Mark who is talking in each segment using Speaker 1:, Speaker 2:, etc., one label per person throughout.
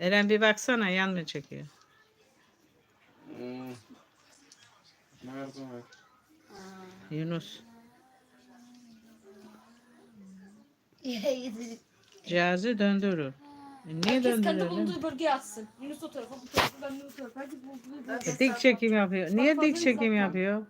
Speaker 1: Eren bir baksana yan mı çekiyor?
Speaker 2: Nerede var?
Speaker 1: Yunus.
Speaker 3: Yedir.
Speaker 1: Cihazı döndürür. Niye
Speaker 4: Herkes kendi
Speaker 1: döndürüyor?
Speaker 4: bulunduğu bölgeye atsın. Yunus o tarafa, bu tarafa, ben de bu tarafa. Herkes bulunduğu bölgeye.
Speaker 1: Dik çekim yapıyor. Niye
Speaker 4: fazla
Speaker 1: dik çekim
Speaker 4: uzaktan.
Speaker 1: yapıyor?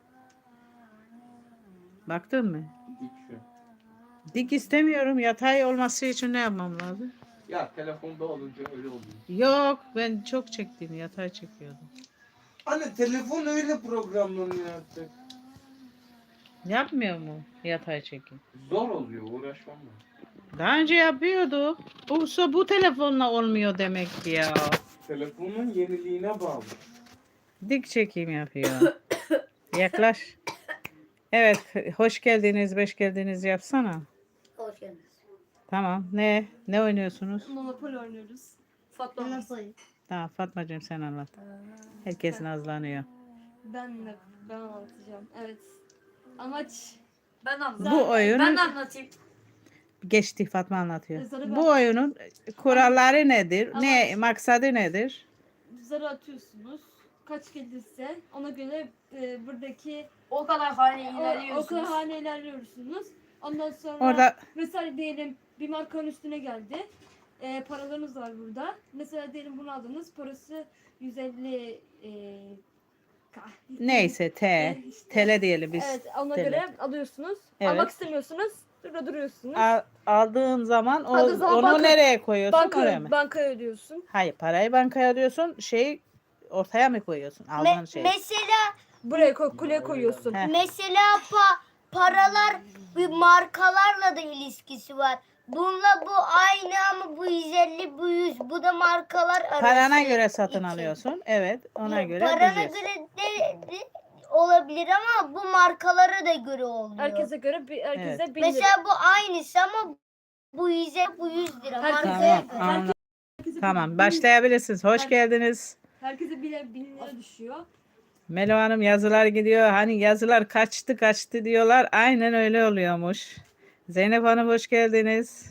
Speaker 1: Baktın mı?
Speaker 2: Dik şu.
Speaker 1: Dik istemiyorum. Yatay olması için ne yapmam lazım?
Speaker 2: Ya telefonda olunca öyle oluyor.
Speaker 1: Yok, ben çok çektim. Yatay çekiyordum.
Speaker 2: Anne telefon öyle programlanıyor artık.
Speaker 1: Yapmıyor mu yatay çekim?
Speaker 2: Zor oluyor, uğraşmam lazım.
Speaker 1: Daha önce yapıyordu. Bu telefonla olmuyor demek ki ya.
Speaker 2: Telefonun yeniliğine bağlı.
Speaker 1: Dik çekim yapıyor. Yaklaş. Evet, hoş geldiniz, beş geldiniz yapsana.
Speaker 3: Hoş geldiniz.
Speaker 1: Tamam. Ne oynuyorsunuz?
Speaker 4: Monopoly oynuyoruz. Fatma.
Speaker 3: Nasıl?
Speaker 1: Tamam, Fatmacığım sen anlat. Herkes nazlanıyor.
Speaker 4: Ben anlatacağım. Evet. Amaç
Speaker 5: Ben
Speaker 1: Bu oyunun
Speaker 5: Ben anlatayım.
Speaker 1: geçti, Fatma anlatıyor.
Speaker 4: Zarı
Speaker 1: Bu oyunun kuralları nedir?
Speaker 4: Ama-
Speaker 1: Ne maksadı nedir?
Speaker 4: zarı atıyorsunuz. Kaç gelirse ona göre buradaki
Speaker 5: O kadar hane
Speaker 4: o
Speaker 5: ilerliyorsunuz.
Speaker 4: kadar hane ilerliyorsunuz. Ondan sonra
Speaker 1: Orada
Speaker 4: mesela diyelim bir markanın üstüne geldi. Paralarınız var burada. Mesela diyelim bunu aldınız. Parası 150
Speaker 1: neyse
Speaker 4: işte.
Speaker 1: TL diyelim biz.
Speaker 4: Evet, ona
Speaker 1: TL.
Speaker 4: göre alıyorsunuz.
Speaker 1: Evet.
Speaker 4: Almak istemiyorsunuz. Burada duruyorsunuz.
Speaker 1: Aldığın zaman
Speaker 4: Aldığın zaman
Speaker 1: onu nereye koyuyorsun? Oraya mı?
Speaker 4: Bankaya ödüyorsun.
Speaker 1: Hayır, parayı bankaya alıyorsun. Ortaya mı koyuyorsun? Aldığın şeyi.
Speaker 3: Mesela
Speaker 4: Buraya kuleye koyuyorsun.
Speaker 1: He.
Speaker 3: mesela paralar bir markalarla da ilişkisi var. Bununla bu aynı ama bu 150 bu 100 bu da markalar arası.
Speaker 1: Parana göre satın
Speaker 3: için.
Speaker 1: alıyorsun. Evet, ona göre
Speaker 3: Parana
Speaker 1: ödeyeceksin.
Speaker 3: göre de olabilir ama bu markalara da göre oluyor.
Speaker 4: Herkese göre herkese
Speaker 1: Evet.
Speaker 4: 1000 lira.
Speaker 3: Mesela bu aynısı ama bu 100'e bu 100 lira.
Speaker 4: Herkes-
Speaker 3: Markaya
Speaker 1: Tamam,
Speaker 3: göre.
Speaker 1: anladım.
Speaker 4: Herkese
Speaker 1: Tamam,
Speaker 4: 1000
Speaker 1: başlayabilirsiniz. Hoş geldiniz.
Speaker 4: Herkese 1000 lira düşüyor.
Speaker 1: Melo Hanım yazılar gidiyor. Hani yazılar kaçtı diyorlar. Aynen öyle oluyormuş. Zeynep Hanım hoş geldiniz.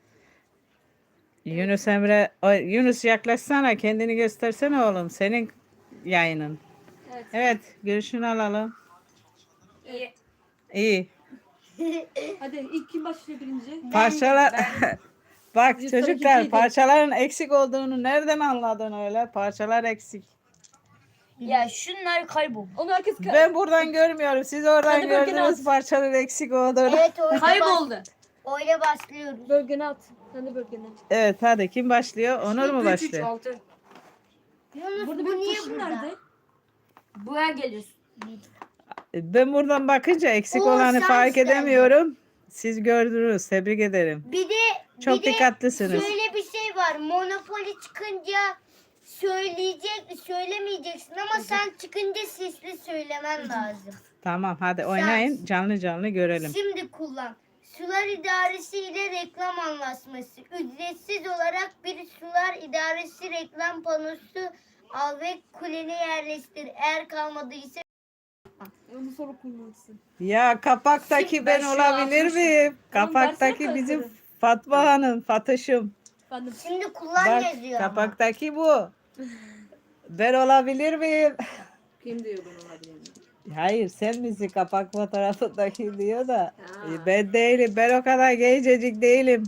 Speaker 1: Yunus Emre, Yunus yaklaşsana, kendini göstersene oğlum. Senin yayının.
Speaker 4: Evet.
Speaker 1: Evet, görüşünü alalım.
Speaker 5: İyi.
Speaker 1: İyi.
Speaker 4: Hadi ilk kim başlıyor birinci?
Speaker 1: Parçalar bak
Speaker 4: Yüz
Speaker 1: çocuklar,
Speaker 4: tarakiciydi.
Speaker 1: parçaların eksik olduğunu nereden anladın öyle? Parçalar eksik.
Speaker 5: Ya şunlar kaybol.
Speaker 4: Onu herkes
Speaker 1: Ben buradan görmüyorum. Siz oradan
Speaker 4: Hadi bakın
Speaker 1: gördünüz
Speaker 4: at.
Speaker 1: parçaların eksik olduğunu.
Speaker 3: Evet öyle,
Speaker 5: Kayboldu.
Speaker 3: öyle başlıyoruz.
Speaker 4: bölgene at. Sen de bölgene.
Speaker 1: Evet, hadi kim başlıyor? Onur mu
Speaker 5: 3 3
Speaker 1: başlıyor?
Speaker 5: 6.
Speaker 3: Yunus
Speaker 4: Burada
Speaker 3: bu
Speaker 4: bir
Speaker 3: niye
Speaker 4: taşın
Speaker 3: burada?
Speaker 4: nerede?
Speaker 5: Buraya geliyorsun.
Speaker 1: Ben buradan bakınca eksik
Speaker 3: Oo,
Speaker 1: olanı
Speaker 3: sen
Speaker 1: fark
Speaker 3: sen.
Speaker 1: edemiyorum. Siz gördünüz. Tebrik ederim.
Speaker 3: Bir de
Speaker 1: Çok dikkatlisiniz.
Speaker 3: şöyle bir şey var. Monopoly çıkınca söylemeyeceksin ama sen çıkınca sesli söylemen lazım.
Speaker 1: Tamam, hadi oynayın. Canlı görelim.
Speaker 3: Şimdi kullan. Sular İdaresi ile reklam anlaşması. Ücretsiz olarak bir sular idaresi reklam panosu al ve kulene yerleştir. Eğer kalmadıysa
Speaker 4: Onu sonra kullanırsın.
Speaker 1: Ya kapaktaki ben
Speaker 5: Ben şu
Speaker 1: olabilir
Speaker 5: atmışım.
Speaker 1: miyim?
Speaker 4: Tamam,
Speaker 1: Kapaktaki
Speaker 4: versene
Speaker 1: bizim
Speaker 4: kartları.
Speaker 1: Fatma Hanım, Fatış'ım.
Speaker 4: Ben de
Speaker 3: şimdi kullan
Speaker 1: Bak,
Speaker 3: yazıyor ama.
Speaker 1: kapaktaki bu. Ben olabilir miyim?
Speaker 5: Kim diyor ben olabilirim?
Speaker 1: Hayır, sen misin kapak fotoğrafındaki diyor da. Ben değilim. Ben o kadar gencecik değilim.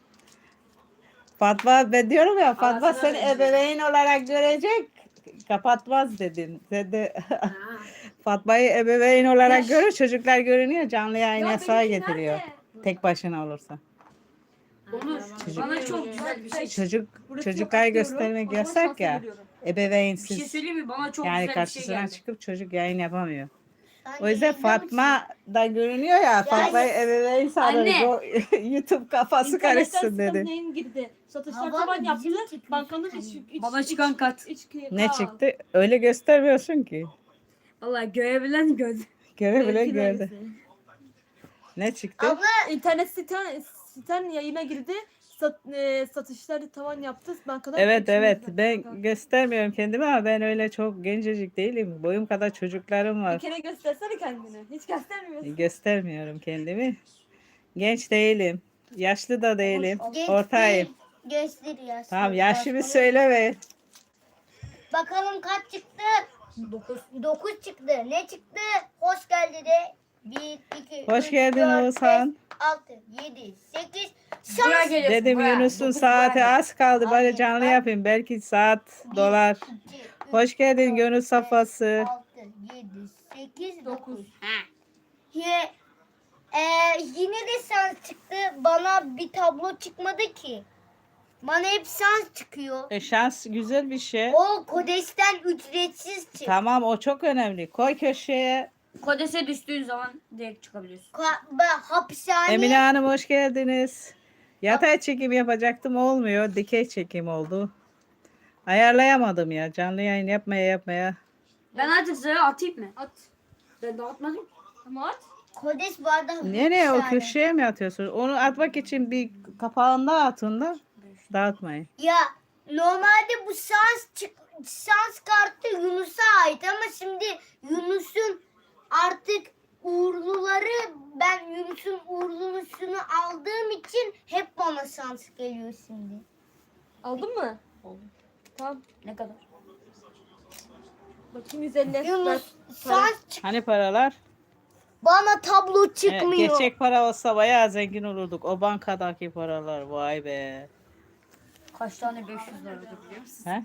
Speaker 1: Fatma, ben diyorum ya, Fatma
Speaker 5: Arasına
Speaker 1: seni
Speaker 5: benziyor.
Speaker 1: ebeveyn olarak görecek. Kapatmaz dedin. Sen de Fatma'yı ebeveyn olarak görür. Çocuklar görünüyor. Canlı yayın
Speaker 4: Ya
Speaker 1: yasağı
Speaker 4: benimki
Speaker 1: getiriyor.
Speaker 4: nerede?
Speaker 1: Tek başına olursa.
Speaker 5: Onur bana çok güzel bir şey.
Speaker 4: Burası
Speaker 1: Çocuklar
Speaker 4: yok,
Speaker 1: göstermek
Speaker 4: atıyorum. O zaman
Speaker 1: yasak
Speaker 4: şansa
Speaker 1: ya.
Speaker 4: geliyorum.
Speaker 5: Bir şey
Speaker 1: Ebeveynsiz.
Speaker 5: söyleyeyim mi? Bana çok
Speaker 1: Yani
Speaker 5: güzel bir şey
Speaker 1: karşısına
Speaker 5: geldi.
Speaker 1: çıkıp çocuk yayın yapamıyor.
Speaker 3: Sen
Speaker 1: O yüzden
Speaker 3: yayında mısın?
Speaker 1: Fatma da görünüyor ya. Fatma'yı ebeveyn sanırız.
Speaker 5: Anne.
Speaker 1: O YouTube kafası
Speaker 4: İnternetten
Speaker 1: karışsın dedi.
Speaker 4: Skandinav'in girdi. Satışlar
Speaker 3: Hava
Speaker 4: tavan yaptı.
Speaker 3: bizim çıkmış.
Speaker 4: Bankanın
Speaker 5: Bana çıkan kat.
Speaker 1: Ne çıktı? Öyle göstermiyorsun ki.
Speaker 5: Vallahi görebilen gördü.
Speaker 1: Görebilen gördü. Ne çıktı?
Speaker 3: Abla
Speaker 4: İnternet siten yayına girdi. Satışları tavan yaptı. Bankadan
Speaker 1: Evet evet,
Speaker 4: içimizde.
Speaker 1: ben göstermiyorum kendimi ama ben öyle çok gencecik değilim. Boyum kadar çocuklarım
Speaker 4: Bir
Speaker 1: var.
Speaker 4: kere göstersene kendini. Hiç göstermiyorsun.
Speaker 1: Göstermiyorum kendimi. Genç değilim. Yaşlı da değilim.
Speaker 3: genç
Speaker 1: Ortayım.
Speaker 3: değil. Göster ya.
Speaker 1: Tamam yaşımı söyle ve.
Speaker 3: Bakalım kaç çıktı?
Speaker 5: 9.
Speaker 3: 9 çıktı. Ne çıktı? Hoş geldi de. 1, 2,
Speaker 1: Hoş geldin Oğuzhan.
Speaker 3: 6, 7, 8.
Speaker 5: Buraya
Speaker 3: Şans.
Speaker 5: geliyorsun.
Speaker 1: Dedim
Speaker 5: buraya.
Speaker 1: Yunus'un
Speaker 5: Dokuz
Speaker 1: saati
Speaker 5: buraya.
Speaker 1: az kaldı. Bari
Speaker 3: Hayır,
Speaker 1: canlı
Speaker 3: ben-
Speaker 1: yapayım. Belki saat dolar.
Speaker 3: 2, 3,
Speaker 1: Hoş geldin gönül safhası.
Speaker 3: 6, 7, 8, 9.
Speaker 5: 9.
Speaker 3: Yine de şans çıktı. Bana bir tablo çıkmadı ki. Bana hep şans çıkıyor.
Speaker 1: Şans güzel bir şey.
Speaker 3: O Kodes'ten ücretsiz çıktı.
Speaker 1: Tamam o çok önemli. Koy köşeye.
Speaker 5: Kodese düştüğün zaman direkt çıkabiliyorsun.
Speaker 3: Hapishane.
Speaker 1: Emine Hanım hoş geldiniz. Yatay çekim yapacaktım olmuyor. Dikey çekim oldu. Ayarlayamadım ya. Canlı yayın yapmaya.
Speaker 5: Ben artık sana atayım mı?
Speaker 4: At.
Speaker 5: Ben dağıtmadım.
Speaker 4: Ama at.
Speaker 3: Kodes bu arada
Speaker 1: Nereye o
Speaker 3: hapishane.
Speaker 1: köşeye mi atıyorsunuz? Onu atmak için bir kapağında atın da dağıtmayın.
Speaker 3: Ya normalde bu şans kartı Yunus'a ait ama şimdi Yunus'un artık uğurluları, ben Yunus'un uğurlusunu aldığım için hep bana şans geliyor şimdi.
Speaker 4: Aldın mı?
Speaker 5: Oldu.
Speaker 4: Tamam.
Speaker 5: Ne kadar?
Speaker 4: Bakayım 150. Ver.
Speaker 3: Yunus şans
Speaker 1: Hani paralar?
Speaker 3: bana tablo
Speaker 1: Evet,
Speaker 3: çıkmıyor.
Speaker 1: gerçek para olsa bayağı zengin olurduk. O bankadaki paralar vay be.
Speaker 5: Kaç tane 500 lira biliyor musun?
Speaker 1: He?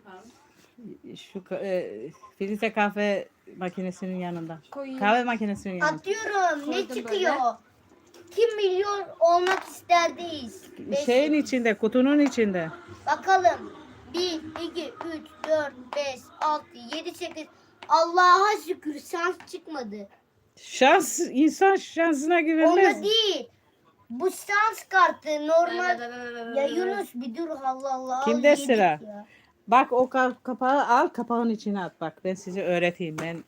Speaker 1: Şu filtre kahve makinesinin yanında.
Speaker 4: Koyayım.
Speaker 1: Kahve makinesinin yanında.
Speaker 3: Atıyorum. Ne
Speaker 4: Koydum
Speaker 3: çıkıyor? Kim milyon olmak isterdeyiz?
Speaker 1: Şeyin içinde, kutunun içinde.
Speaker 3: Bakalım. 1, 2, 3, 4, 5, 6, 7, 8. Allah'a şükür şans çıkmadı.
Speaker 1: Şans, insan şansına güvenmez.
Speaker 3: Onda değil. Bu şans kartı normal. Ya Yunus bir dur Allah Allah.
Speaker 1: Kimde
Speaker 3: yedik
Speaker 1: sıra?
Speaker 3: ya.
Speaker 1: Bak o kapağı al, kapağın içine at. Bak ben size öğreteyim ben.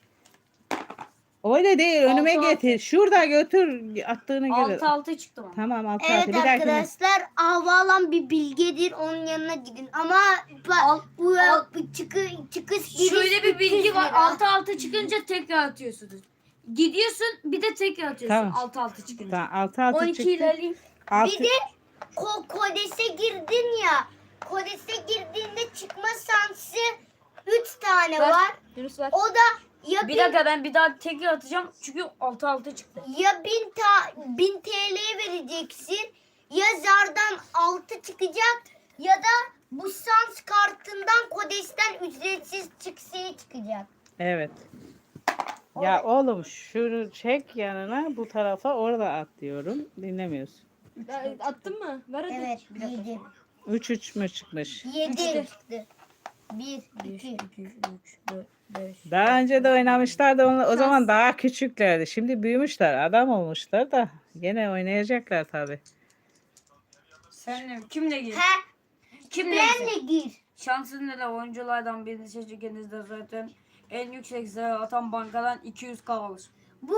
Speaker 1: Öyle değil, önüme
Speaker 5: Altı,
Speaker 1: getir. Şurada götür, attığını gör.
Speaker 5: 6 çıktı bana.
Speaker 1: Tamam, altı
Speaker 3: Evet
Speaker 1: altı. Bir dahakine.
Speaker 3: arkadaşlar havalan bir bilgedir, onun yanına gidin ama bu çıkış
Speaker 5: Şöyle bir bilgi
Speaker 3: 300
Speaker 5: var.
Speaker 3: lira.
Speaker 5: 6 çıkınca tekrar atıyorsunuz. Gidiyorsun bir de tekrar atıyorsun.
Speaker 1: Tamam.
Speaker 5: 6 çıkınca.
Speaker 1: Tamam, altı
Speaker 5: 12
Speaker 1: çıktı.
Speaker 5: ilerleyeyim.
Speaker 1: Altı.
Speaker 3: Bir de Kodes'e girdin ya. Kodes'e girdiğinde çıkma şansı 3 tane
Speaker 4: Ver.
Speaker 3: var.
Speaker 4: Yunus ver.
Speaker 3: O da ya
Speaker 5: Bir dakika ben bir daha tekrar atacağım. Çünkü 6 çıktı.
Speaker 3: ya 1000 TL'ye vereceksin ya zardan 6 çıkacak ya da bu şans kartından Kodes'ten ücretsiz çıksayı çıkacak.
Speaker 1: Evet. Ya oğlum şunu çek yanına, bu tarafa, orada at diyorum. Dinlemiyorsun.
Speaker 4: Attın mı? Ver hadi.
Speaker 3: Evet 7.
Speaker 1: 3 mü çıkmış?
Speaker 3: 7
Speaker 4: Üçte.
Speaker 3: çıktı. 1,
Speaker 5: 1,
Speaker 3: 2,
Speaker 5: 2, 3, 4, 5.
Speaker 1: Daha önce de oynamışlar da o zaman daha küçüklerdi. Şimdi büyümüşler, adam olmuşlar da gene oynayacaklar tabii.
Speaker 5: Senle kimle gir?
Speaker 3: He,
Speaker 5: Kimle
Speaker 3: benle
Speaker 5: gir?
Speaker 3: gir.
Speaker 5: Şansın ile oyunculardan birini seçtiğinizde zaten en yüksek sayı atan bankadan 200k alır.
Speaker 3: Bu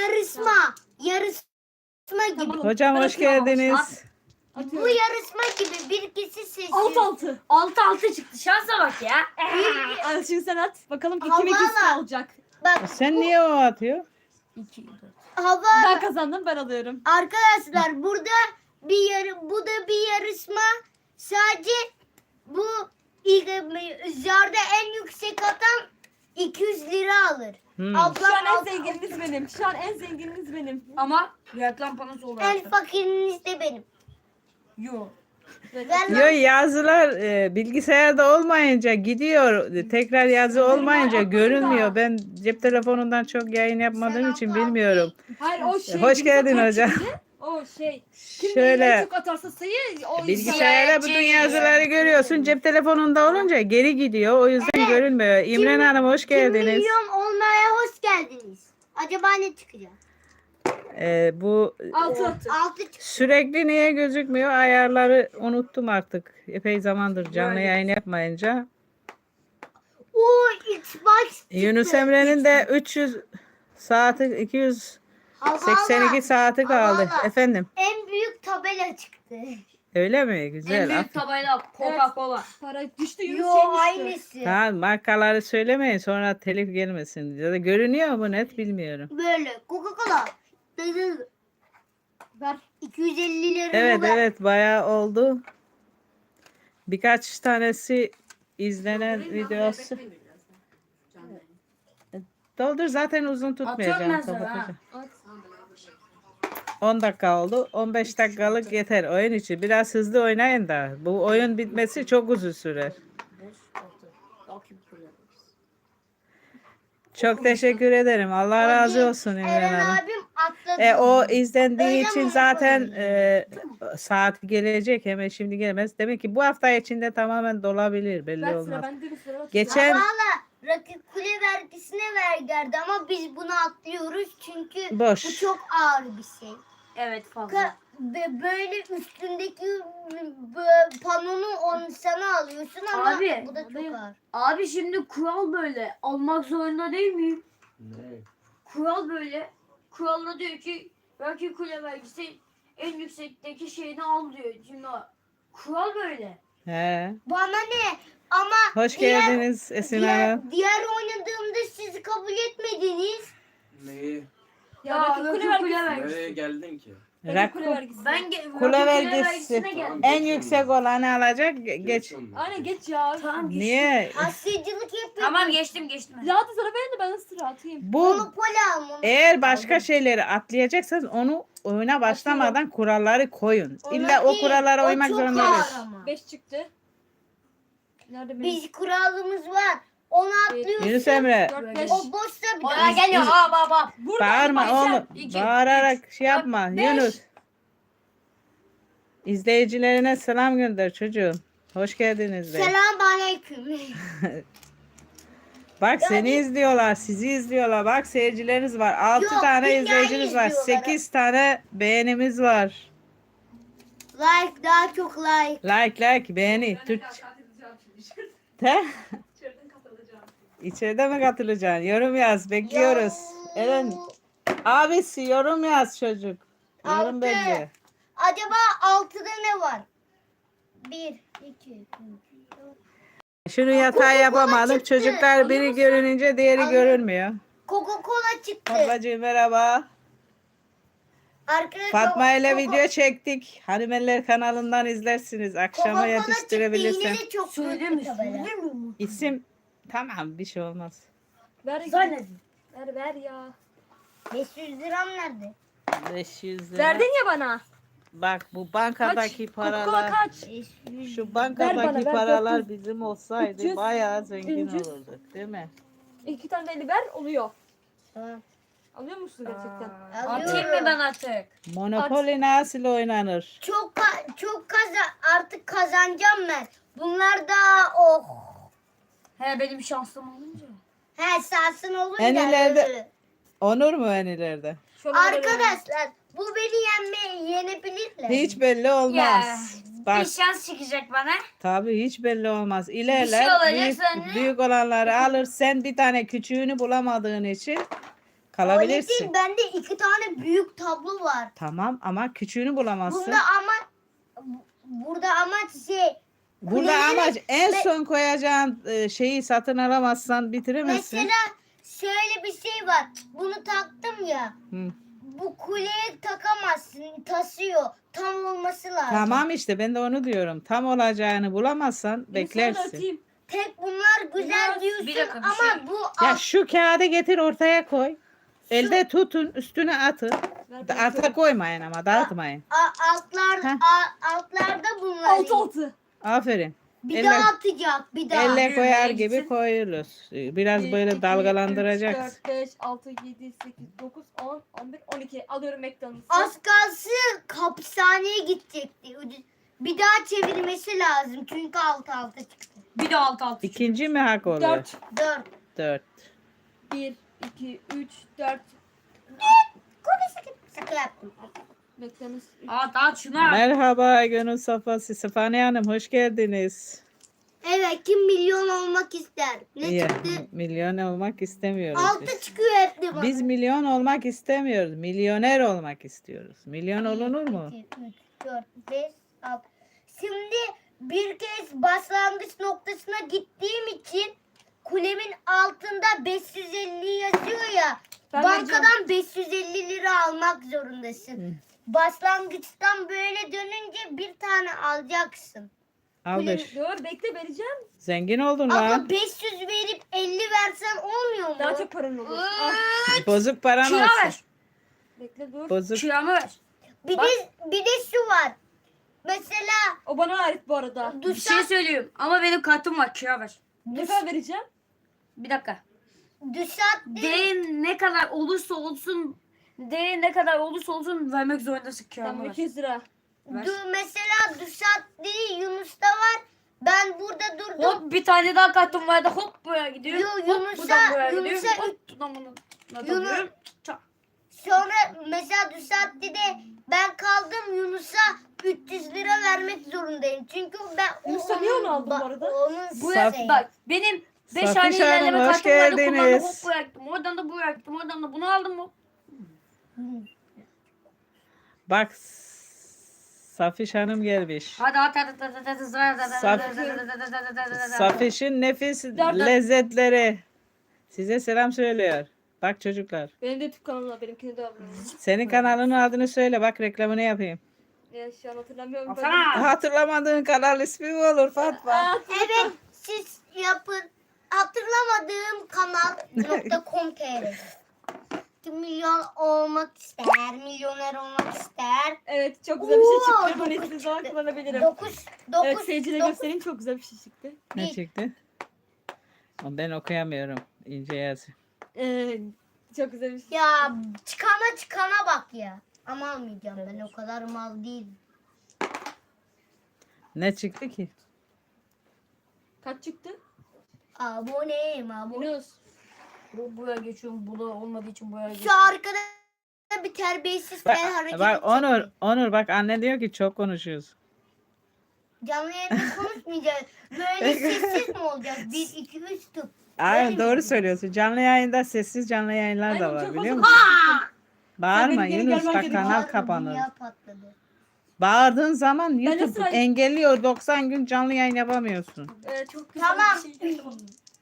Speaker 3: yarışma gibi.
Speaker 1: Hocam hoş geldiniz.
Speaker 3: Bu
Speaker 4: Atıyorum.
Speaker 3: yarışma gibi bir kişi seçiyor.
Speaker 4: 6-6.
Speaker 5: 6 çıktı. Şansa bak ya.
Speaker 4: Al şimdi sen at. Bakalım ki
Speaker 3: Allah
Speaker 4: kim ikisi
Speaker 3: Allah.
Speaker 4: alacak.
Speaker 3: Bak
Speaker 1: Sen niye o atıyor?
Speaker 5: 2, 4.
Speaker 3: hava
Speaker 4: Ben kazandım, ben alıyorum.
Speaker 3: arkadaşlar burada bu da bir yarışma. Sadece bu zarda en yüksek atan 200 lira alır.
Speaker 1: Hmm.
Speaker 4: Şu an
Speaker 3: Ablam
Speaker 4: en zengininiz benim. Şu an en zengininiz benim.
Speaker 5: Ama reklam panosu olarak.
Speaker 3: en fakiriniz de benim.
Speaker 5: Yok.
Speaker 3: Ver
Speaker 1: Yo,
Speaker 3: lan.
Speaker 1: yazılar bilgisayarda olmayınca gidiyor. Tekrar yazı olmayınca görünmüyor. Ben cep telefonundan çok yayın yapmadığım için bilmiyorum.
Speaker 4: Hayır o şey.
Speaker 1: Hoş
Speaker 4: Yunus'a
Speaker 1: geldin
Speaker 4: kaç
Speaker 1: hocam.
Speaker 4: çıktı? O şey. Kim en
Speaker 1: Şöyle
Speaker 4: çok atarsa sayı o
Speaker 1: bilgisayarda bütün yazıları görüyorsun. Cep telefonunda olunca geri gidiyor. O yüzden görünmüyor. İmren Hanım hoş
Speaker 3: 1
Speaker 1: geldiniz.
Speaker 3: milyon olmaya hoş geldiniz. Acaba ne çıkacak?
Speaker 1: Bu
Speaker 4: 6.
Speaker 3: 6 çık.
Speaker 1: sürekli niye gözükmüyor? Ayarları unuttum artık. Epey zamandır canlı yayın yapmayınca.
Speaker 3: Oo Xbox çıktı.
Speaker 1: Yunus Emre'nin de 300 saati 282
Speaker 3: Havalı.
Speaker 1: saati kaldı.
Speaker 3: Havalı.
Speaker 1: Efendim.
Speaker 3: En büyük tabela çıktı.
Speaker 1: Öyle mi?
Speaker 5: En
Speaker 1: Güzel.
Speaker 5: büyük tabela Coca-Cola.
Speaker 4: Para düştü Yunus
Speaker 3: Yo
Speaker 4: şey düştü.
Speaker 3: aynısı.
Speaker 1: Tamam, markaları söylemeyin sonra telif gelmesin. Ya da görünüyor mu net bilmiyorum.
Speaker 3: Böyle Coca-Cola.
Speaker 4: Ver.
Speaker 3: 250 lira
Speaker 1: Evet
Speaker 3: ver.
Speaker 1: evet bayağı oldu. Birkaç tanesi izlenen videosu. Doldur zaten uzun
Speaker 5: Atıyorum
Speaker 1: tutmayacağım.
Speaker 5: ben sana,
Speaker 1: Kapatacağım.
Speaker 4: At.
Speaker 1: 10 dakika oldu. 15 dakikalık yeter oyun için. Biraz hızlı oynayın da. Bu oyun bitmesi çok uzun sürer.
Speaker 5: 5, 6. Belki bir kule.
Speaker 1: Çok teşekkür ederim. Allah razı olsun İmran
Speaker 3: Eren
Speaker 1: Hanım.
Speaker 3: abim atladı.
Speaker 1: O izlendiği
Speaker 3: Öyle
Speaker 1: için
Speaker 3: mi
Speaker 1: zaten
Speaker 3: yapalım?
Speaker 1: saat gelecek. Hemen şimdi gelmez. Demek ki bu hafta içinde tamamen dolabilir. Belli
Speaker 4: Ver sıra
Speaker 1: olmaz.
Speaker 4: bende bir sıra.
Speaker 1: Geçen
Speaker 3: Valla rakip kule vergisine vergerdi ama biz bunu atlıyoruz çünkü
Speaker 1: Boş.
Speaker 3: bu çok ağır bir şey.
Speaker 5: Evet fazla.
Speaker 3: Böyle üstündeki panonu onu sana alıyorsun ama
Speaker 5: Abi,
Speaker 3: bu da çok ağır.
Speaker 5: Abi şimdi kural böyle. Almak zorunda değil miyim?
Speaker 2: Ne?
Speaker 5: Kural böyle. Kuralda diyor ki belki kule vergisi en yüksekteki şeyini al diyor. Şimdi kural böyle.
Speaker 1: he.
Speaker 3: Bana ne? Ama
Speaker 1: Hoş geldiniz Esin Hanım.
Speaker 3: diğer oynadığımda siz kabul etmediniz.
Speaker 2: Neyi?
Speaker 4: Ya rakip kule vergisi.
Speaker 2: Nereye geldin ki?
Speaker 4: Rakip kule
Speaker 1: Rakip
Speaker 4: vergisi.
Speaker 5: Ben
Speaker 1: Kule
Speaker 5: vergisine
Speaker 1: vergisi.
Speaker 5: geldim.
Speaker 1: En yüksek olanı alacak. Geç.
Speaker 4: Aynen geç ya.
Speaker 5: Tamam geçtim.
Speaker 1: Niye?
Speaker 3: Asyacılık yapıyor.
Speaker 5: Tamam geçtim.
Speaker 4: Ya hadi sıra benim de ben de sıra atayım.
Speaker 1: Bu
Speaker 3: Monopoli al.
Speaker 1: eğer başka şeyleri atlayacaksanız onu oyuna başlamadan kuralları koyun. İlla o kurallara uymak zorunda değil.
Speaker 3: Ama.
Speaker 4: 5 çıktı. Nerede benim?
Speaker 3: Biz kuralımız var. Onu atlıyorsun.
Speaker 1: Yunus Emre
Speaker 4: 4 5.
Speaker 3: O boşta bir
Speaker 5: Oraya
Speaker 3: daha
Speaker 5: geliyor. Bak.
Speaker 4: Burada
Speaker 1: bağırma
Speaker 4: başla.
Speaker 1: oğlum.
Speaker 5: 2,
Speaker 1: Bağırarak şey yapma.
Speaker 4: beş.
Speaker 1: Yunus. İzleyicilerine selam gönder çocuğum. Hoş geldiniz de.
Speaker 3: Selam aleyküm.
Speaker 1: Bak seni izliyorlar, sizi izliyorlar. Bak seyircileriniz var. 6
Speaker 3: Yok,
Speaker 1: tane
Speaker 3: dünyayı
Speaker 1: izleyiciniz var.
Speaker 3: izliyorlar.
Speaker 1: 8 tane beğenimiz var.
Speaker 3: Like daha çok like.
Speaker 1: Like beğeni. Türk. Te? İçeride mi katılacaksın? Yorum yaz. Bekliyoruz. Eren abisi yorum yaz çocuk. Yorum
Speaker 3: Altı.
Speaker 1: bekliyor.
Speaker 3: Acaba 6'da ne var? 1, 2, 3, 4.
Speaker 1: Şunu yatağa yapamadım.
Speaker 3: çıktı.
Speaker 1: Çocuklar biri görününce diğeri görünmüyor.
Speaker 3: Coca-Cola çıktı.
Speaker 1: Ablacığım merhaba.
Speaker 3: Arkadaşlar
Speaker 1: Fatma ile video çektik. Hanimeller kanalından izlersiniz. Akşama yetiştirebilirsem.
Speaker 3: Yine de çok
Speaker 5: Söyle
Speaker 3: kötü
Speaker 5: mi?
Speaker 3: tabela.
Speaker 5: Söyle mi?
Speaker 1: İsim tamam bir şey olmaz.
Speaker 4: Ver,
Speaker 5: Zannedin.
Speaker 4: ver ya.
Speaker 3: 500 liram nerede?
Speaker 1: 500 lira.
Speaker 4: Verdin ya bana.
Speaker 1: Bak bu bankadaki
Speaker 4: Kaç? Coca-Cola
Speaker 1: paralar.
Speaker 4: kaç?
Speaker 3: 500.
Speaker 1: Şu
Speaker 4: Ver
Speaker 1: bankadaki
Speaker 4: bana, ver,
Speaker 1: paralar
Speaker 4: 400.
Speaker 1: bizim olsaydı
Speaker 4: 300,
Speaker 1: bayağı zengin
Speaker 4: 300.
Speaker 1: olurduk değil mi?
Speaker 4: 2 tane de 50 ver oluyor.
Speaker 3: Tamam.
Speaker 4: Alıyor musun gerçekten?
Speaker 5: Atayım mı ben artık?
Speaker 1: Monopoly nasıl oynanır?
Speaker 3: Çok artık kazanacağım ben. Bunlar da oh.
Speaker 5: He benim şansım olunca.
Speaker 3: He sahasın olunca.
Speaker 1: En ileride-
Speaker 3: öyle.
Speaker 1: Onur mu en ileride?
Speaker 4: Şöyle ver.
Speaker 3: Arkadaşlar bu beni yenebilirler.
Speaker 1: Hiç belli olmaz. Bak
Speaker 5: Bir şans çıkacak bana.
Speaker 1: tabii hiç belli olmaz.
Speaker 5: Bir şey
Speaker 1: İlerler
Speaker 5: olacak
Speaker 1: büyük,
Speaker 5: sonra.
Speaker 1: büyük olanları alır. Sen bir tane küçüğünü bulamadığın için
Speaker 3: Öyle
Speaker 1: kalabilirsin.
Speaker 3: değil, bende 2 tane büyük tablo var.
Speaker 1: Tamam ama küçüğünü bulamazsın.
Speaker 3: Burada amaç şey.
Speaker 1: Burada
Speaker 3: kuleleri-
Speaker 1: amaç en
Speaker 3: me-
Speaker 1: son koyacağın şeyi satın alamazsan bitiremezsin.
Speaker 3: Mesela şöyle bir şey var. Bunu taktım ya.
Speaker 1: Hı.
Speaker 3: Bu kuleye takamazsın. Tasıyor. Tam olması lazım.
Speaker 1: Tamam işte ben de onu diyorum. Tam olacağını bulamazsan
Speaker 4: Yunus'a da
Speaker 1: beklersin.
Speaker 4: atayım.
Speaker 3: Tek bunlar güzel diyorsun
Speaker 5: Bir dakika, bir
Speaker 3: ama
Speaker 5: şey-
Speaker 3: bu
Speaker 1: Ya şu kağıdı getir ortaya koy. Elde tutun üstüne atın.
Speaker 4: Ver, ben
Speaker 1: Alta koymayın ama dağıtmayın. Heh.
Speaker 3: altlarda bunlar.
Speaker 4: 6.
Speaker 1: Aferin.
Speaker 3: Bir
Speaker 1: Elle-
Speaker 3: daha atacak. Bir daha.
Speaker 1: Elle koyar
Speaker 5: Yürüyün
Speaker 1: gibi
Speaker 5: gitsin.
Speaker 1: koyuyoruz. Biraz böyle dalgalandıracaksın.
Speaker 4: 4, 5, 6, 7, 8, 9, 10, 11, 12. Alıyorum McDonald's'ı.
Speaker 3: Az kalsın hapishaneye gidecekti. Bir daha çevirmesi lazım. Çünkü alt çıktı.
Speaker 5: Bir de alt.
Speaker 1: İkinci mi hak oluyor?
Speaker 4: 4.
Speaker 3: 4.
Speaker 1: 4.
Speaker 4: 1, 2, 3, 4.
Speaker 3: Şaka yaptım.
Speaker 4: McDonald's.
Speaker 5: At şuna.
Speaker 1: Merhaba Gönül Safası. Sefane Hanım hoş geldiniz.
Speaker 3: Evet, kim milyon olmak ister? Ne
Speaker 1: İyi.
Speaker 3: çıktı?
Speaker 1: Milyon olmak istemiyoruz
Speaker 3: 6
Speaker 1: biz.
Speaker 3: çıkıyor hep de bana.
Speaker 1: Biz milyon olmak istemiyoruz. Milyoner olmak istiyoruz. Milyon olunur mu?
Speaker 3: 2, 3, 4, 5, 6. Şimdi bir kez başlangıç noktasına gittiğim için kulemin altında 550 yazıyor ya.
Speaker 4: Ben
Speaker 3: bankadan 550 lira almak zorundasın. Başlangıçtan böyle dönünce bir tane alacaksın.
Speaker 1: Al
Speaker 3: Kuleni-
Speaker 1: 5.
Speaker 4: Dur bekle vereceğim.
Speaker 1: Zengin oldun
Speaker 3: Abla
Speaker 1: lan.
Speaker 3: 500 verip 50 versen olmuyor mu?
Speaker 4: Daha çok paran olur. Al.
Speaker 1: Bozuk paran
Speaker 5: Kira
Speaker 1: olsun.
Speaker 5: ver.
Speaker 4: Bekle dur.
Speaker 1: Bozuk.
Speaker 5: Kiramı ver.
Speaker 3: Bir de şu var. Mesela
Speaker 4: O bana ait bu arada.
Speaker 5: Bir şey söyleyeyim ama benim kartım var, kira ver.
Speaker 4: Ne kadar vereceğim?
Speaker 5: Bir dakika.
Speaker 3: Duşat
Speaker 5: Değerin ne kadar olursa olsun, değerin ne kadar olursa olsun vermek zorundasın, kiramı
Speaker 4: Tamam
Speaker 5: ver.
Speaker 4: 200 lira.
Speaker 5: Ver.
Speaker 3: mesela Duşat değil Yunus'ta var. Ben burada durdum.
Speaker 5: Hop bir tane daha kartım vardı, hop buraya gidiyor.
Speaker 3: Yo,
Speaker 5: hop
Speaker 3: Yunus'a-
Speaker 5: buradan buraya gidiyor.
Speaker 3: Yunus'a-
Speaker 5: Hop buradan bunu.
Speaker 3: Yunus- Sonra mesela Duşat'ta ben kaldım Yunus'a 300 lira vermek zorundayım. Çünkü ben
Speaker 4: Yunus'a niye onu aldın bu arada?
Speaker 3: Onun
Speaker 5: Bu
Speaker 1: Saf-
Speaker 5: bak benim 5
Speaker 1: Safiş
Speaker 5: tane ilerleme
Speaker 1: Hanım, hoş
Speaker 5: kartım vardı, kullandım,
Speaker 1: geldiniz.
Speaker 5: hop bıraktım. Oradan da bıraktım, oradan da bunu aldım mı?
Speaker 1: Bak Safiş Hanım gelmiş.
Speaker 5: Hadi
Speaker 1: Safiş'in nefis lezzetleri. Size selam söylüyor. Bak çocuklar.
Speaker 4: Benim de YouTube kanalım var. Benimkini de abone olun.
Speaker 1: Senin kanalının adını söyle. Bak reklamını yapayım.
Speaker 4: Ya şu an hatırlamıyorum.
Speaker 5: Alsana.
Speaker 1: Hatırlamadığın kanal ismi mi olur Fatma?
Speaker 4: Aa,
Speaker 3: Evet siz yapın. Hatırlamadığım kanal.com.tr 2 milyon olmak ister, milyoner olmak ister.
Speaker 4: evet çok güzel bir şey
Speaker 3: Oo,
Speaker 4: çıktı. Bunu istediğiniz zaman kullanabilirim.
Speaker 3: 9
Speaker 4: Evet
Speaker 3: 9
Speaker 4: seyircilere göstereyim, çok güzel bir şey çıktı.
Speaker 1: Ne çıktı? Ama ben okuyamıyorum. İnce yaz.
Speaker 4: Çok güzel bir şey.
Speaker 3: Ya çıkana bak ya. Ama almayacağım ben o kadar mal değilim.
Speaker 1: Ne çıktı ki?
Speaker 4: Kaç çıktı?
Speaker 3: Aboneyim abone.
Speaker 4: Yunus.
Speaker 5: Buraya geçiyorum. Bu da olmadığı için buraya
Speaker 3: Şu
Speaker 5: geçiyorum.
Speaker 3: arkada bir terbiyesiz
Speaker 1: Bak,
Speaker 3: el hareketi.
Speaker 1: bak Onur bak anne diyor ki çok konuşuyoruz.
Speaker 3: Canlı yayında konuşmayacağız. Böyle sessiz mi olacağız? 1, 2, 3 tıp.
Speaker 1: Aynen doğru söylüyorsun. Canlı yayında sessiz canlı yayınlar da
Speaker 4: Aynen,
Speaker 1: var
Speaker 4: çok
Speaker 1: biliyor
Speaker 4: fazla
Speaker 1: musun? Bağırma
Speaker 4: Sen benim geri
Speaker 1: Yunus
Speaker 4: gelmen
Speaker 1: bak
Speaker 4: gerekiyor.
Speaker 1: kanal
Speaker 3: Bağırdı,
Speaker 1: kapanır.
Speaker 3: dünya patladı.
Speaker 1: Bağırdığın zaman
Speaker 4: de
Speaker 1: YouTube
Speaker 4: sıra-
Speaker 1: engelliyor. 90 gün canlı yayın yapamıyorsun.
Speaker 4: Çok güzel
Speaker 3: Tamam.
Speaker 4: bir şey.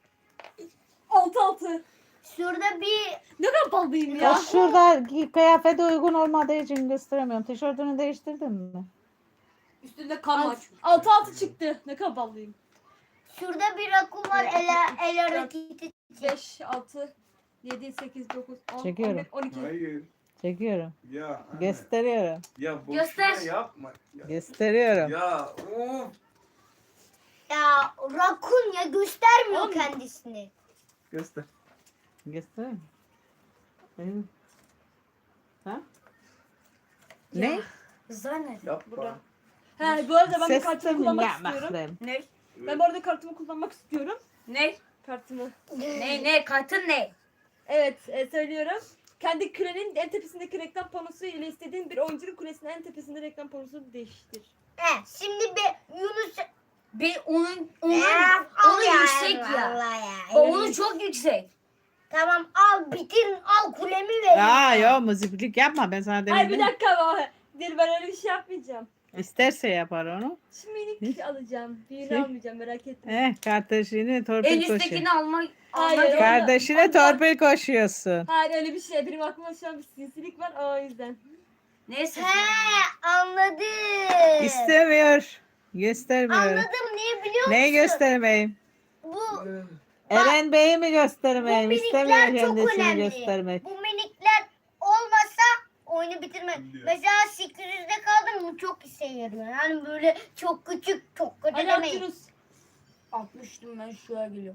Speaker 4: 6-6.
Speaker 3: Şurada bir
Speaker 4: Ne kadar ballıyım ya.
Speaker 1: Şurada kıyafete uygun olmadığı için gösteremiyorum. Tişörtünü değiştirdin mi?
Speaker 5: Üstünde kan var.
Speaker 4: 6-6 çıktı. Ne kadar ballıyım.
Speaker 3: şurada bir rakun var el hareketi.
Speaker 4: 5, 6, 7, 8, 9, 10,
Speaker 1: Çekiyorum.
Speaker 4: 11, 12.
Speaker 2: Hayır.
Speaker 1: Çekiyorum.
Speaker 2: Ya anne.
Speaker 1: Gösteriyorum.
Speaker 2: Ya boşuna
Speaker 5: Göster.
Speaker 2: yapma. Ya,
Speaker 1: Gösteriyorum.
Speaker 2: ya of.
Speaker 3: Ya rakun ya göstermiyor
Speaker 4: Oğlum.
Speaker 3: kendisini.
Speaker 2: Göster.
Speaker 1: Göstereyim. Benim. Ha? Ne?
Speaker 5: Zannet.
Speaker 2: Yapma.
Speaker 4: Burada. He bu arada ben bir
Speaker 1: Ses
Speaker 4: kartımı kullanmak istiyorum.
Speaker 5: Ne?
Speaker 4: Ben bu arada kartımı kullanmak istiyorum.
Speaker 5: Ne?
Speaker 4: Kartımı.
Speaker 5: Ne? Kartın ne?
Speaker 4: Evet söylüyorum. Kendi kürenin en tepesindeki reklam panosu ile istediğin bir oyuncunun kulesinin en tepesinde reklam panosunu değiştir.
Speaker 3: Şimdi Yunus
Speaker 5: Onun
Speaker 3: al ya,
Speaker 5: yüksek ya.
Speaker 3: vallahi ya.
Speaker 5: Onun çok yüksek.
Speaker 3: Tamam al bitir al kulemi ver.
Speaker 1: Aa yo muziplik yapma ben sana
Speaker 4: Hayır bir
Speaker 1: demedim.
Speaker 4: dakika ama. Değil ben öyle bir şey yapmayacağım.
Speaker 1: İsterse yapar onu.
Speaker 4: Şimdi minik alacağım. Büyüğünü
Speaker 1: Şey?
Speaker 4: almayacağım merak etme.
Speaker 1: Kardeşine
Speaker 5: En
Speaker 1: torpil koşuyor.
Speaker 5: üsttekini almak.
Speaker 4: Hayır,
Speaker 5: almak-
Speaker 4: o-
Speaker 1: Kardeşine torpil koşuyorsun.
Speaker 4: Hayır öyle bir şey. Benim aklıma şu an bir sinsilik var o yüzden.
Speaker 5: Neyse.
Speaker 3: He anladım.
Speaker 1: İstemiyor. Göstermiyor.
Speaker 3: Anladım niye biliyor musun?
Speaker 1: Neyi göstermeyeyim?
Speaker 3: Bu
Speaker 1: Eren Bey'i mi göstermeyeyim?
Speaker 3: Bu minikler
Speaker 1: İstemiyor
Speaker 3: çok
Speaker 1: kendisini
Speaker 3: önemli.
Speaker 1: göstermek.
Speaker 3: Bu minikler olmasa oyunu bitirmem. Mesela 800'de kaldım mı çok işe yarıyor. Yani böyle çok küçük çok kötü
Speaker 4: Hadi
Speaker 3: demeyin.
Speaker 4: atıyoruz.
Speaker 5: 60'tım ben şuraya geliyorum.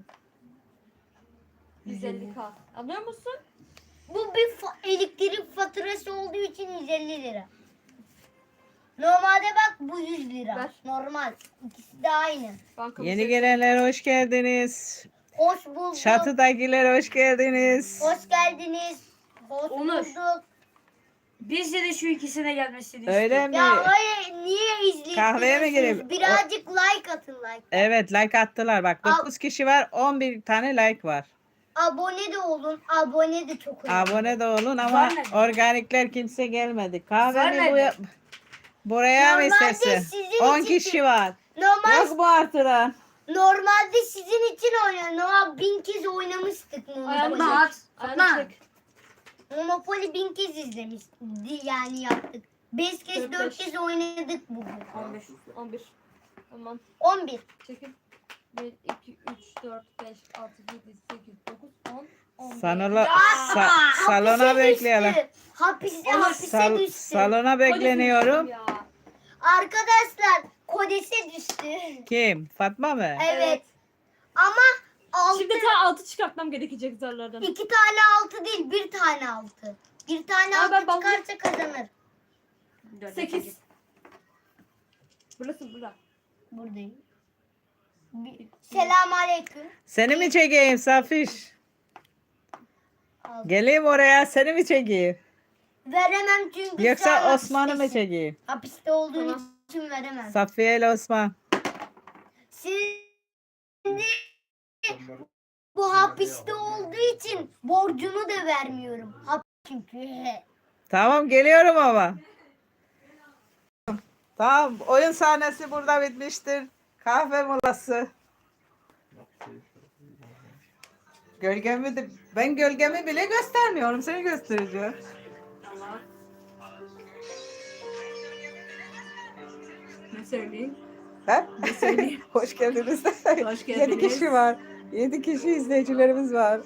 Speaker 4: 150k. Anlıyor musun?
Speaker 3: Bu bir elektrik faturası olduğu için 150 lira. Normalde bak bu 100 lira.
Speaker 4: Ver.
Speaker 3: Normal. İkisi de aynı.
Speaker 4: Bankamız
Speaker 1: Yeni
Speaker 4: yok.
Speaker 1: gelenler hoş geldiniz.
Speaker 3: Hoş bulduk.
Speaker 1: Çatıdakiler hoş geldiniz.
Speaker 3: Hoş geldiniz. Hoş
Speaker 5: Onur.
Speaker 3: bulduk.
Speaker 5: Biz de şu ikisine gelmesini
Speaker 1: Öyle
Speaker 5: istiyorum.
Speaker 1: mi?
Speaker 3: Ya hayır niye izliyorsunuz?
Speaker 1: Kahveye mi gireyim?
Speaker 3: Birazcık like atın like.
Speaker 1: Evet like attılar. Bak
Speaker 3: Al.
Speaker 1: 9 kişi var 11 tane like var.
Speaker 3: Abone de olun. Abone de çok önemli.
Speaker 1: Abone de olun ama
Speaker 5: Var nerede?
Speaker 1: organikler kimse gelmedi.
Speaker 5: Var
Speaker 1: Kahveni
Speaker 5: nerede?
Speaker 1: buraya mı
Speaker 3: Normalde
Speaker 1: istersin?
Speaker 3: sizin
Speaker 1: 10
Speaker 3: için-
Speaker 1: kişi var.
Speaker 3: Normal
Speaker 1: Yok mu artıran?
Speaker 3: Normalde sizin için oynuyor. Normal 1000 kez oynamıştık
Speaker 4: Ayağını
Speaker 3: Monopoly.
Speaker 5: Fatma at.
Speaker 4: Ayağını
Speaker 5: Fatma.
Speaker 4: çek.
Speaker 3: Monopoly 1000 kez izlemiştik. Yani yaptık. 5 kez 4
Speaker 4: 4-5.
Speaker 3: kez oynadık bugün.
Speaker 5: 15.
Speaker 4: 11. Tamam.
Speaker 3: 11.
Speaker 4: Çekil. 1, 2, 3, 4, 5, 6, 7, 8, 9, 10, 11.
Speaker 1: Salona
Speaker 3: Hapise
Speaker 1: bekleyelim.
Speaker 3: düştü. Hapise düştü.
Speaker 1: Salona bekleniyorum.
Speaker 4: Ya.
Speaker 3: Arkadaşlar kodese düştü.
Speaker 1: Kim? Fatma mı?
Speaker 3: Evet. Ama 6
Speaker 4: Şimdi ta 6 çıkartmam gerekecek zarlardan.
Speaker 3: 2 tane 6 değil, bir tane 6. Bir tane
Speaker 4: Aa,
Speaker 3: 6
Speaker 4: ben
Speaker 3: çıkarsa kazanır.
Speaker 4: 8. Burası burada.
Speaker 3: Buradayım. Selamünaleyküm.
Speaker 1: Seni mi çekeyim Safiş? Geleyim oraya seni mi çekeyim?
Speaker 3: Veremem çünkü sen
Speaker 1: Yoksa Osman'ı mı
Speaker 3: hapistesin.
Speaker 1: çekeyim?
Speaker 3: Hapiste olduğun
Speaker 4: Tamam.
Speaker 3: için veremem.
Speaker 1: Safiye ile Osman.
Speaker 3: Şimdi bu hapiste olduğu için borcumu da vermiyorum. Çünkü.
Speaker 1: Tamam geliyorum ama. Tamam oyun sahnesi burada bitmiştir. Kahve molası. Ben gölgemi bile göstermiyorum. Seni göstereceğim.
Speaker 4: Tamam. Ne söyleyeyim?
Speaker 1: Ha?
Speaker 4: Ne söyleyeyim?
Speaker 1: Hoş geldiniz.
Speaker 4: Hoş
Speaker 1: 7
Speaker 4: geldiniz.
Speaker 1: kişi var. 7 kişi izleyicilerimiz var.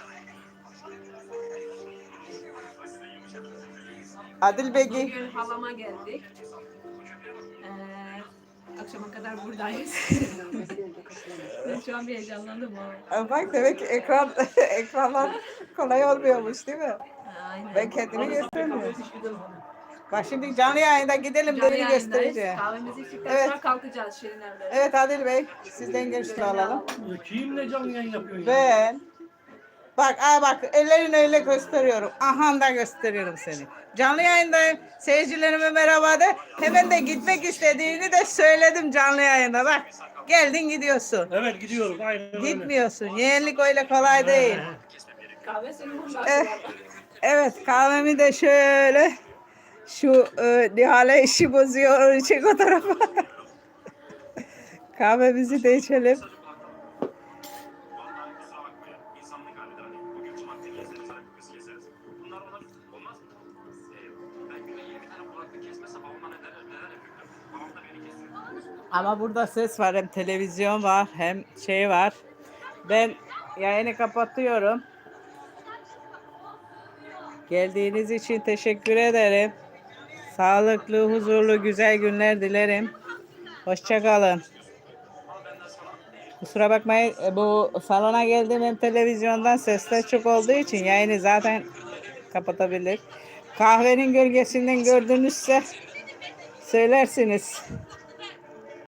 Speaker 1: Adil Begi.
Speaker 6: Bugün halama geldik. Akşama kadar buradayız. Ben şu an bir heyecanlandım ama.
Speaker 1: Bak demek ki ekranlar kolay olmuyormuş değil mi?
Speaker 6: Aynen.
Speaker 1: Ben kendimi göstermiyorum. Bak şimdi canlı yayında gidelim
Speaker 6: Canlı
Speaker 1: beni
Speaker 6: yayındayız.
Speaker 1: göstereceğim.
Speaker 6: Kahvemizi içtikten
Speaker 1: Evet.
Speaker 6: sonra kalkacağız Şirinler'de.
Speaker 1: Evet Adil Bey sizden görüşünü alalım.
Speaker 7: Kimle canlı yayın yapıyorsun ya?
Speaker 1: Ben bak ellerini öyle gösteriyorum. Aha da gösteriyorum seni. Canlı yayındayım. Seyircilerime merhaba de. Hemen de gitmek istediğini de söyledim canlı yayında. Bak geldin gidiyorum.
Speaker 7: Evet gidiyorum aynen öyle.
Speaker 1: Gitmiyorsun. Yeğenlik öyle kolay değil.
Speaker 6: Kahve senin burada.
Speaker 1: Evet kahvemi de şöyle şu Nihal'e işi bozuyor. Onu çek o tarafa. Kahvemizi de içelim. Ama burada ses var, hem televizyon var, hem şey var. Ben yayını kapatıyorum. Geldiğiniz için teşekkür ederim. Sağlıklı, huzurlu, güzel günler dilerim. Hoşça kalın. Kusura bakmayın, bu salona geldim hem televizyondan sesler çok olduğu için yayını zaten kapatabilir. Kahvenin gölgesinden gördünüzse söylersiniz.